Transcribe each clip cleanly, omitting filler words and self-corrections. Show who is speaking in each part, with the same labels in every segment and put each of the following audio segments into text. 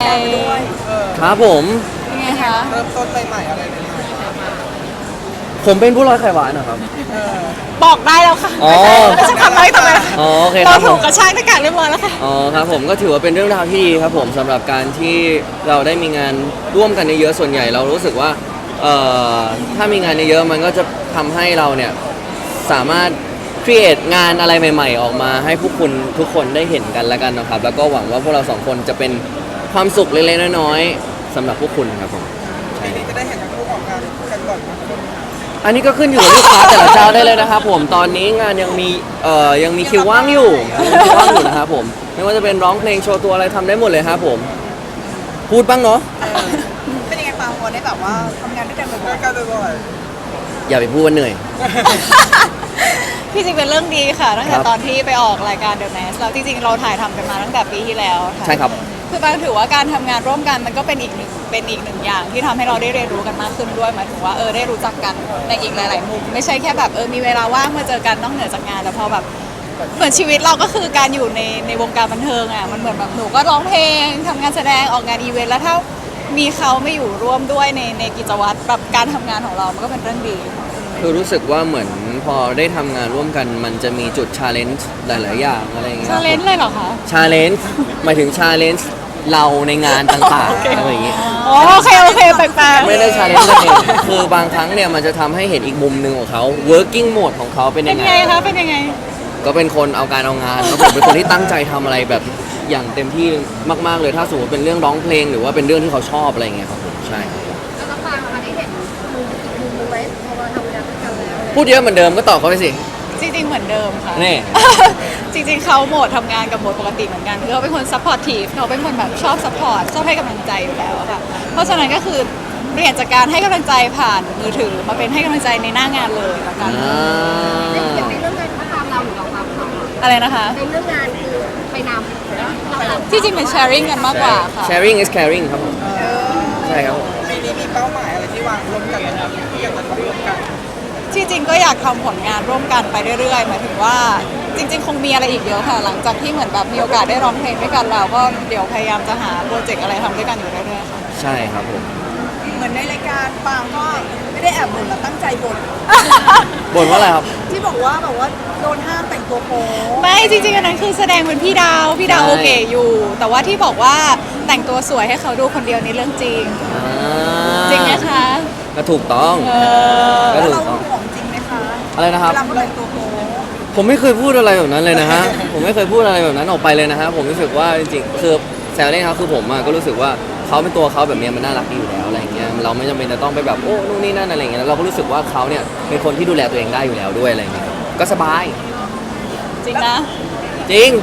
Speaker 1: การไปด้วย
Speaker 2: ครับผม
Speaker 1: ยังไงคะ
Speaker 3: เริ่มต้นใหม่ๆอะไรใหม่
Speaker 2: ผมเป็นผู้ร้อยไข่หวานนะครับ
Speaker 1: บอกได้แล้วค่ะ
Speaker 2: อ๋อ
Speaker 1: ไม่ใช่คำน้อยต่อไปแล้ว
Speaker 2: อ๋อโอเคค
Speaker 1: เรา
Speaker 2: รับผ
Speaker 1: ถู
Speaker 2: ม
Speaker 1: กกระชากหน้ากากเรียบร้อยแล้วค่ะ
Speaker 2: อ๋อครับผมก็ถือว่าเป็นเรื่องราวที่ดีครับผมสำหรับการที่เราได้มีงานร่วมกันเยอะๆส่วนใหญ่เรารู้สึกว่าถ้ามีงานเยอะๆมันก็จะทำให้เราเนี่ยสามารถครีเอทงานอะไรใหม่ๆออกมาให้ผู้คุณทุกคนได้เห็นกันแล้วกันนะครับแล้วก็หวังว่าพวกเราสองคนจะเป็นความสุขเล็กๆน้อยๆสำหรับพวกคุณครับผม
Speaker 3: ปีนี้จะได้เห็นทั้งคู่ออกงานกันก่อนนะ
Speaker 2: อันนี้ก็ขึ้นอยู่กับลูกค้าแต่ละเจ้าได้เลยนะครับผมตอนนี้งานยังมีคิวว่างอยู่นะครับผมไม่ว่าจะเป็นร้องเพลงโชว์ตัวอะไรทำได้หมดเลยครับผมพูดบ้างเนาะ
Speaker 1: เป็นยังไงปางวันได้แบบว่าทำงานด้วยกันบ่
Speaker 3: ใกล้
Speaker 1: อย
Speaker 3: กันบ่อย
Speaker 2: อย่าไปพูดว่าเหนื่อย
Speaker 1: ๆที่จริงเป็นเรื่องดีค่ะตั้งแต่
Speaker 2: ครับ
Speaker 1: ตอนที่ไปออกรายการ The Mask แล้วจริงๆเราถ่ายทำกันมาตั้งแต่ปีที่แล้วค่ะ
Speaker 2: ใช่ครับ
Speaker 1: คือบางถือว่าการทำงานร่วมกันมันก็เป็นอีกหนึ่งอย่างที่ทำให้เราได้เรียนรู้กันมากขึ้นด้วยหมายถึงว่าได้รู้จักกันในอีกหลายๆมุมไม่ใช่แค่แบบมีเวลาว่างมาเจอกันนอกเหนือจากงานแต่พอแบบเหมือนชีวิตเราก็คือการอยู่ในวงการบันเทิงอ่ะมันเหมือนแบบหนูก็ร้องเพลงทำงานแสดงออกงานอีเวนต์แล้วถ้ามีเขาไม่อยู่ร่วมด้วยในกิจวัตรแบบการทำงานของเรามันก็เป็นเรื่องดี
Speaker 2: คือรู้สึกว่าเหมือนพอได้ทำงานร่วมกันมันจะมีจุดชาเลนจ์หลาย ๆ อย่างอะไรอย่างเงี้ย
Speaker 1: ชาเลนจ์เลยเหรอคะ
Speaker 2: ชาเลนจ์หมายถึงชาเลนจ์เราในงานต่าง
Speaker 1: โอเค
Speaker 2: ๆอะไรอย่างเงี้ย
Speaker 1: อ๋อโอเคแปลกๆ
Speaker 2: ไม่ได้ชาเลนจ์กันเองคือบางครั้งเนี่ยมันจะทำให้เห็นอีกมุมหนึ่งของเขา working mode ของเขาเป็น
Speaker 1: เป็
Speaker 2: ยั
Speaker 1: น
Speaker 2: งไง
Speaker 1: ไงคะเป็นยังไง
Speaker 2: ก็เป็นคนเอาการเอางานครับผมเป็นคนที่ตั้งใจทำอะไรแบบอย่างเต็มที่มาก ๆ เลยถ้าสมมติเป็นเรื่องร้องเพลงหรือว่าเป็นเรื่องที่เขาชอบอะไรอย่างเงี้ยครับผมใช่ครับ
Speaker 4: แล้วก็ฟังมาได้เห็นมุมอีกมุมหนึงไว้พอมาทำงานด้วยกันแล้ว
Speaker 2: พูดเยอะเหมือนเดิมก็ตอบเขาไปสิ
Speaker 1: จริงๆเหมือนเดิมค่ะ
Speaker 2: นี่
Speaker 1: จริงๆเขาโหมดทำงานกับโหมดปกติเหมือนกันคือเขาเป็นคนซัพพอร์ตทีฟเขาเป็นคนแบบชอบซัพพอร์ตชอบให้กำลังใจอยู่แล้วอะค่ะเพราะฉะนั้นก็คือเปลี่ยนจากการให้กำลังใจผ่านมือถือมาเป็นให้กำลังใจในหน้างานเลยละกัน
Speaker 4: อย่างในเรื่องงานเขาตามเราหรือเราตามเขา
Speaker 1: อะไรนะคะ
Speaker 4: ในเรื่องงานคือไปนำแล้วเราตาม
Speaker 1: ที่จริงเป็น sharing กันมากกว่าค่ะ
Speaker 2: sharing is caring ครับผมใช่ครับผม
Speaker 3: ปีนี้มีเป้าหมายอะไรที่วางร่วมกันไหมครับที่อยากจะทำร่วมกัน
Speaker 1: ที่จริงก็อยากทำผลงานร่วมกันไปเรื่อยๆหมายถึงว่าจริงๆ คงมีอะไรอีกเยอะค่ะ หลังจากที่เหมือนแบบมีโอกาสได้ร้องเพลงด้วยกันเราก็เดี๋ยวพยายามจะหาโปรเจกต์อะไรทำด้วยกันอยู่เรื่อยๆค่ะ
Speaker 2: ใช่ครับผม
Speaker 5: เหมือนในรายการปางก็ไม่ได้แอบบ่นแล้วตั้งใจบ่น
Speaker 2: บ่นว่าอะไรครับ
Speaker 5: ที่บอกว่าแบบว่าโดนห้ามแต่งตัวโป๊
Speaker 1: ไม่จริงๆอันนั้นคือแสดงเป็นพี่ดาว
Speaker 2: ใช่
Speaker 1: โอเคอยู่ แต่ว่าที่บอกว่าแต่งตัวสวยให้เขาดูคนเดียวนี่เรื่องจริง จริงไหมคะ
Speaker 2: ก็ถูกต้อง ก็
Speaker 5: แล้ว
Speaker 2: ถู
Speaker 5: เรา
Speaker 2: กต้อง
Speaker 5: ห่วงจริงไหมคะ
Speaker 2: อะไรนะครับ
Speaker 5: เวลาเขาแต่งตัวโป๊
Speaker 2: ผมไม่เคยพูดอะไรแบบนั้นเลยนะฮะ ผมไม่เคยพูดอะไรแบบนั้นออกไปเลยนะฮะ ผมรู้สึกว่าจริงๆ คือแซวเล่นครับคือผมก็รู้สึกว่าเขาเป็นตัวเขาแบบนี้มันน่ารักดีอยู่แล้วอะไรเงี้ย เราไม่จำเป็นจะต้องไปแบบโอ้นู่นนี่นั่นอะไรเงี้ยแล้วเราก็รู้สึกว่าเขาเนี่ยเป็นคนที่ดูแลตัวเองได้อยู่แล้วด้วยอะไรเงี้ย ก็สบาย
Speaker 1: จริงนะ
Speaker 2: จริง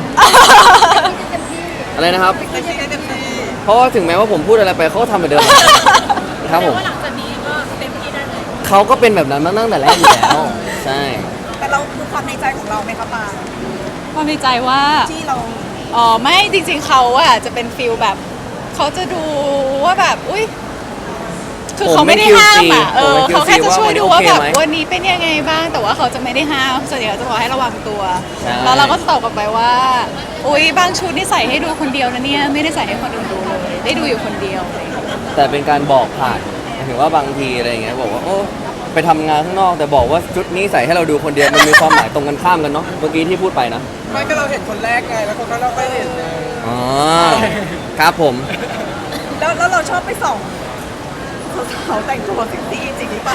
Speaker 2: อะไรนะครับ
Speaker 3: เต็มที่เต็มที่
Speaker 2: เพราะว่าถึงแม้ว่าผมพูดอะไรไปเขาก็ทำเหมือนเดิมครับผม
Speaker 4: หลังจากนี้ก็เต็มที่ได้เลย
Speaker 2: เขาก็เป็นแบบนั้นมาตั้งแต่แรกอยู่แล้ว ใช่
Speaker 5: แต่เราคือความในใจของเราไหมคะปาง
Speaker 1: ความในใจว่า
Speaker 5: ที่เรา
Speaker 1: อ๋อไม่จริงๆเขาอะจะเป็นฟิลแบบเขาจะดูว่าแบบอุ้ยคือเขาไม่ได้ห้ามอะเขาแค่จะช่วยดูว่าแบบวันนี้เป็นยังไงบ้างแต่ว่าเขาจะไม่ได้ห้ามส่วนใหญ่จะบอกให้ระวังตัว แล้วเราก็จะตอบกลับไปว่าอุ้ยบางชุดนี่ใส่ให้ดูคนเดียวนะเนี่ยไม่ได้ใส่ให้คนอื่นดูเลยได้ดูอยู่คนเดียวอะไรอย่างเงี้ย
Speaker 2: แต่เป็นการบอกผ่านหมายถึงว่าบางทีอะไรอย่างเงี้ยบอกว่าโอ้ไปทำงานข้างนอกแต่บอกว่าชุดนี้ใส่ให้เราดูคนเดียวมันมีความหมายตรงกันข้ามกันเนาะเมื่อกี้ที่พูดไปนะ
Speaker 3: ไม่ก็เราเห็นคนแรกไงแล้วคนนั้นเราไม่เห็นไง
Speaker 2: อ๋อครับผม
Speaker 5: แล้วเราชอบไปส่องสาวๆแต่งตัวเซ็กซี่จริงหรือเปล่า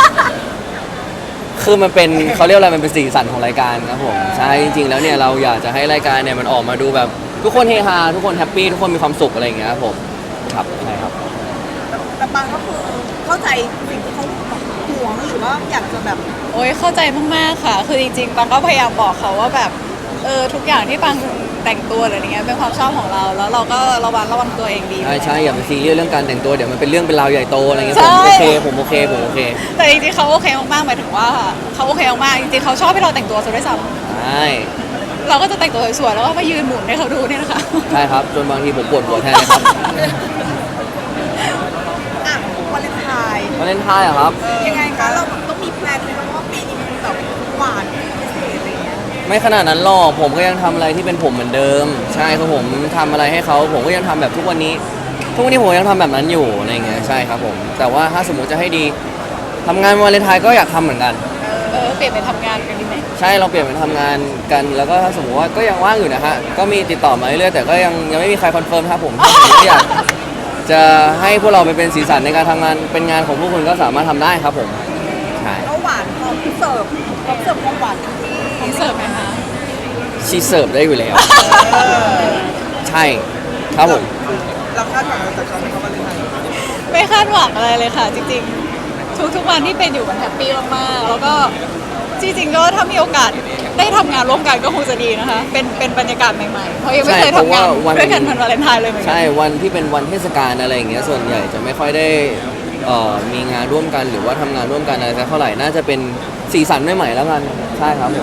Speaker 2: คือมันเป็นเขาเรียกอะไรมันเป็นสีสันของรายการครับผมใช่จริงๆแล้วเนี่ยเราอยากจะให้รายการเนี่ยมันออกมาดูแบบทุกคนเฮฮาทุกคนแฮปปี้ทุกคนมีความสุขอะไรอย่างเงี้ยครับผมครับใช่ครับ
Speaker 5: แต่ปางก็คือเข้าใจสิ่งที่เขาห่วงหรือว่าอยากจะแบบ
Speaker 1: โอ้ยเข้าใจมากๆค่ะ คือจริงๆปังก็พยายามบอกเขาว่าแบบทุกอย่างที่ปังแต่งตัวอะไรอย่างเงี้ยเป็นความชอบของเราแล้วเราก็ระวังตัวเองดี
Speaker 2: ใช่ใช่อย่าไปซีเรียสเรื่องการแต่งตัวเดี๋ยวมันเป็นเรื่องเป็นราวใหญ่โตอะไรเงี้ย
Speaker 1: ใช่
Speaker 2: ผมโอเค
Speaker 1: แต่จริงๆเขาโอเคมากๆหมายถึงว่าเขาโอเคมากๆจริงๆเขาชอบให้เราแต่งตัวซะด้วยซ้
Speaker 2: ใช่
Speaker 1: ำเราก็จะแต่งตัวสวยๆแล้วก็มายืนหมุนให้เขาดูเนี่ยนะคะ
Speaker 2: ใช่ครับจนบางทีผมปวดหัวแทนเลยครับ
Speaker 5: อ่ะวันเลนไทน์
Speaker 2: วาเลนไทน์เหรอครับ
Speaker 5: ยังไงคะเราต้องมีแพลนไหมคะว่าปีนี้มันแบบหวานพิเศษอะไรอย่างเงี้ย
Speaker 2: ไม่ขนาดนั้นหรอกผมก็ยังทำอะไรที่เป็นผมเหมือนเดิม ใช่ครับผมทำอะไรให้เขาผมก็ยังทำแบบทุกวันนี้ทุกวันนี้ผมยังทำแบบนั้นอยู่อะไรเงี้ยใช่ครับผมแต่ว่าถ้าสมมุติจะให้ดีทำงานวาเลนไทน์ก็อยากทำเหมือนกัน
Speaker 1: เปลี่ยนไปทำงานกันดีไหม
Speaker 2: ใช่เราเปลี่ยนเป็นทำงานกันแล้วก็ถ้าสมมติว่าก็ยังว่างอยู่นะฮะก็มีติดต่อมาเรื่อยๆแต่ก็ยังไม่มีใครคอนเฟิร์มครับผมถ้าสมมติอยากจะให้พวกเราไปเป็นสีสันในการทำงานเป็นงานของพวกคุณก็สามารถทำได้ครับผมใช่
Speaker 5: ก็หวานพร้อมเสิร์ฟความหวานที่
Speaker 1: ผมเสิร์ฟไหมคะ
Speaker 2: ชีเสิร์ฟได้อยู่แล้ว ใช่ครับผม
Speaker 3: เราคาดหวังอะไรจากเขาไหมครับวันเลนไทน์
Speaker 1: ไม่คาดหวังอะไรเลยค่ะ จริงๆ ทุกวันที่เป็นอยู่มันแฮปปี้มากๆแล้วก็จริงๆก็ถ้ามีโอกาสได้ทำงานร่วมกันก็คงจะดีนะคะ เป็นบรรยากาศใหม่ๆเพราะยังไม่เคยทำงานด้วยกันวันวาเลนไทน์เลยเหมือนกั
Speaker 2: ใช่วันที่เป็นวันเทศกาลอะไรอย่างเงี้ยส่วนใหญ่จะไม่ค่อยได้มีงานร่วมกันหรือว่าทำงานร่วมกันอะไรสักเท่าไหร่น่าจะเป็นสีสันใหม่ๆแล้วกันใช่ครับผม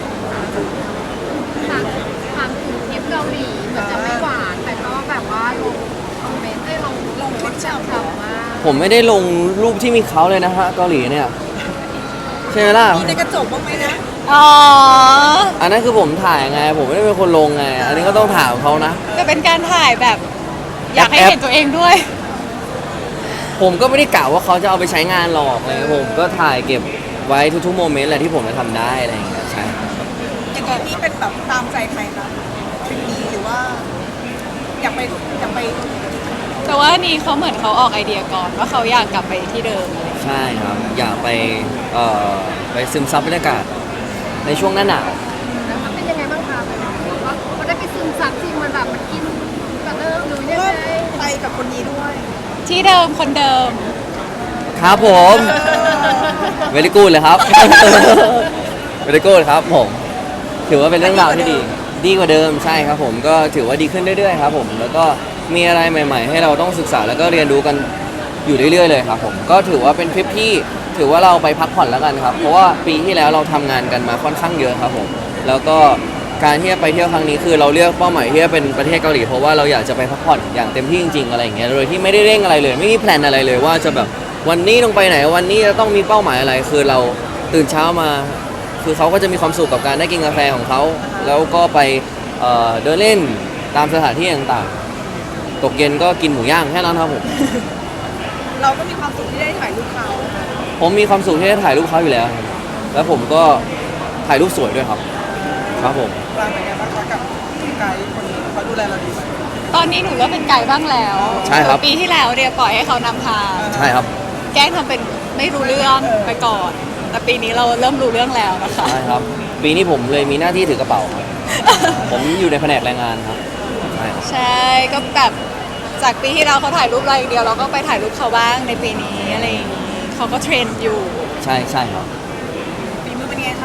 Speaker 4: ถามถึงทริปเกาหลีเหมือนจะไม่หวานแต่ก็แบบว่าลงคอมเมนต์ได้ลงคลิปฉ่ำๆมาก
Speaker 2: ผมไม่ได้ลงรูปที่มีเขาเลยนะฮะเกาหลีเนี่ยใช่ไหมล่ะ
Speaker 5: มีในกระจกบ้างไหมนะ
Speaker 1: อ๋อ
Speaker 2: อันนั้นคือผมถ่ายไงผมไม่ได้เป็นคนลงไง อันนี้ก็ต้องถามเขานะ
Speaker 1: จะเป็นการถ่ายแบบอยากให้
Speaker 2: แอป
Speaker 1: เห็นตัวเองด้วย
Speaker 2: ผมก็ไม่ได้กล่าวว่าเขาจะเอาไปใช้งานหรอกอะไรเงี้ยผมก็ถ่ายเก็บไว้ทุกๆโมเมนต์แหละที่ผมจะทำได้อะไรอย่างเงี้ยใช่
Speaker 5: อย่างนี้นี่เป็นแบบตามใจใครคะทริปนี้หรือว่า อยากไป
Speaker 1: แต่ว่านี่เขาเหมือนเขาออกไอเดียก่อนว่าเขาอยากกลับไปที่เดิมอะไรอย่างเงี้ย
Speaker 2: ใช่ครับ อยากไปซึมซับบรรยากาศในช่วงหน้าหนาว
Speaker 4: แล้วมันเป็นยังไงบ้างคะว่าเขาได้ไปซึมซับจริงมันแบบมันกินกระเดิมหรือยัง
Speaker 5: ก็
Speaker 4: ไง
Speaker 5: ไปกับคนนี้ด้วย
Speaker 1: ที่เดิมคนเดิม
Speaker 2: ครับผม เวลิกูดเลยครับ เวลิกูดครับผม ถือว่าเป็นเรื่องราวที่ดี ดีกว่าเดิมใช่ครับผม ก็ถือว่าดีขึ้นเรื่อยๆครับผม แล้วก็มีอะไรใหม่ ๆ ให้เราต้องศึกษาแล้วก็เรียนรู้กันอยู่เรื่อยๆเลยครับผม ก็ถือว่าเป็นทริปที่ถือว่าเราไปพักผ่อนแล้วกันครับ เพราะว่าปีที่แล้วเราทำงานกันมาค่อนข้างเยอะครับผม แล้วก็การที่จะไปเที่ยวครั้งนี้คือเราเลือกเป้าหมายที่จะเป็นประเทศเกาหลีเพราะว่าเราอยากจะไปพักผ่อนอย่างเต็มที่จริงๆอะไรอย่างเงี้ย โดยที่ไม่ได้เร่งอะไรเลย ไม่มีแพลนอะไรเลยว่าจะแบบวันนี้ต้องไปไหนวันนี้จะต้องมีเป้าหมายอะไรคือเราตื่นเช้ามา คือเขาก็จะมีความสุขกับการได้กินกาแฟของเขาแล้วก็ไปเดินเล่นตามสถานที่ต่างๆตกเย็นก็กินหมูย่างแค่นั้นครับผม
Speaker 5: เราก็มีความสุขที่ได้ถ่ายรูปเขา
Speaker 2: ผมมีความสุขที่ได้ถ่ายรูปเขาอยู่แล้วครับแล้วผมก็ถ่ายรูปสวยด้วยครับครับผม
Speaker 3: ปลางเป็นไงบ้างคะกับไกด์คนนี้เขาดูแลเราดีไหม
Speaker 1: ตอนนี้หนูเริ่มเป็นไกด์บ้างแล้ว
Speaker 2: ใช่ครับ
Speaker 1: ปีที่แล้วเนี่ยปล่อยให้เขานำทาง
Speaker 2: ใช่ครับ
Speaker 1: แกล้งทำเป็นไม่รู้เรื่องไปก่อน แต่ปีนี้เราเริ่มรู้เรื่องแล้วนะคะ
Speaker 2: ใช่ครับ ปีนี้ผมเลยมีหน้าที่ถือกระเป๋าครับผมอยู่ในแผนกแรงงานครับใช่ครับ
Speaker 1: ใช่ก็แบบจากปีที่เราเขาถ่ายรูปเราอย่างเดียวเราก็ไปถ่ายรูปเขาบ้างในปีนี้อะไรอย่างนี้เขาก็เทรนอยู่
Speaker 2: ใช่ใช่ครับ
Speaker 5: ฝีมือเป็นไงคะ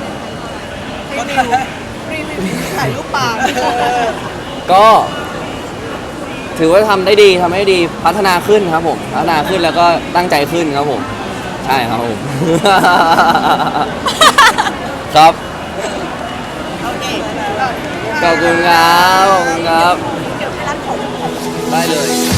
Speaker 5: รีวิวถ่ายรูปปลา
Speaker 2: ก็ถือว่าทำได้ดีทำให้ดีพัฒนาขึ้นครับผมพัฒนาขึ้นแล้วก็ตั้งใจขึ้นครับผมใช่ครับผม ครับ
Speaker 5: โอเค
Speaker 2: ขอบคุณครับขอบคุณครับ
Speaker 5: เดี๋ยวให้ร้านของ
Speaker 2: ได้เลย